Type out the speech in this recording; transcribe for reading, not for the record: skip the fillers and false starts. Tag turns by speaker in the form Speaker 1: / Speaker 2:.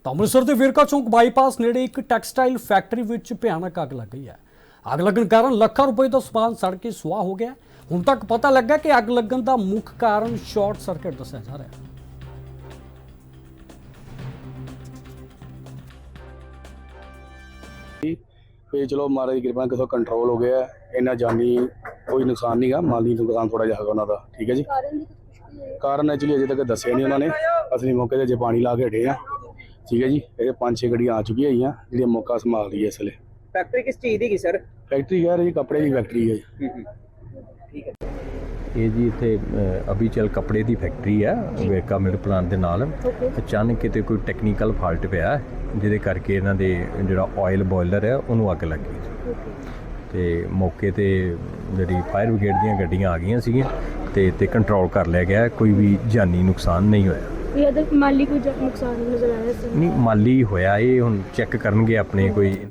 Speaker 1: ਤਾਂ ਅੰਮ੍ਰਿਤਸਰ ਦੇ ਵੇਰਕਾ ਚੌਂਕ ਬਾਈਪਾਸ ਨੇੜੇ ਇੱਕ ਟੈਕਸਟਾਈਲ ਫੈਕਟਰੀ ਵਿੱਚ ਭਿਆਨਕ ਅੱਗ ਲੱਗ ਗਈ ਹੈ। ਅੱਗ ਲੱਗਣ ਕਾਰਨ ਲੱਖਾਂ ਰੁਪਏ ਦਾ ਸਮਾਨ ਸੜ ਕੇ ਸੁਆਹ ਹੋ ਗਿਆ। ਹੁਣ ਤੱਕ ਪਤਾ ਲੱਗਾ ਕਿ ਅੱਗ ਲੱਗਣ ਦਾ ਮੁੱਖ ਕਾਰਨ ਸ਼ਾਰਟ ਸਰਕਟ ਦੱਸਿਆ ਜਾ ਰਿਹਾ ਹੈ।
Speaker 2: फिर चलो महाराज की कृपा कितों कंट्रोल हो गया है। इन्ना जानी कोई नुकसान नहीं गा, माली नुकसान थोड़ा जिहा उन्होंने, ठीक है जी। कारण एक्चुअली अजे तक दसिया नहीं उन्होंने। असली मौके पर जो पानी ला के हटे हैं, ठीक है जी। ये 5-6 गड्डियां आ चुकी हैं जी, मौका संभाल रही है इस वेले।
Speaker 3: फैक्ट्री किस चीज़ की सर?
Speaker 2: फैक्ट्री कह रही कपड़े की फैक्ट्री है
Speaker 3: ठीक है।
Speaker 4: ਇਹ ਜੀ ਇੱਥੇ ਅਬੀਚਲ ਕੱਪੜੇ ਦੀ ਫੈਕਟਰੀ ਹੈ ਵੇਰਕਾ ਮਿਲ ਪਲਾਂਟ ਦੇ ਨਾਲ। ਅਚਾਨਕ ਕਿਤੇ ਕੋਈ ਟੈਕਨੀਕਲ ਫਾਲਟ ਪਿਆ ਜਿਹਦੇ ਕਰਕੇ ਇਹਨਾਂ ਦੇ ਜਿਹੜਾ ਆਇਲ ਬੋਇਲਰ ਹੈ ਉਹਨੂੰ ਅੱਗ ਲੱਗ ਗਈ ਤੇ ਮੌਕੇ ਤੇ ਜਿਹੜੀ ਫਾਇਰ ਬ੍ਰਿਗੇਡ ਦੀਆਂ ਗੱਡੀਆਂ ਆ ਗਈਆਂ ਸੀਗੀਆਂ ਤੇ ਕੰਟਰੋਲ ਕਰ ਲਿਆ ਗਿਆ। ਕੋਈ ਵੀ ਜਾਨੀ ਨੁਕਸਾਨ ਨਹੀਂ ਹੋਇਆ।
Speaker 5: ਇਹ ਅਦਰ ਮਾਲੀ ਕੋਈ ਨੁਕਸਾਨ ਨਜ਼ਰ ਆਇਆ ਸੀ?
Speaker 4: ਨਹੀਂ, ਮਾਲੀ ਹੋਇਆ ਇਹ ਹੁਣ ਚੈੱਕ ਕਰਨਗੇ ਆਪਣੇ ਕੋਈ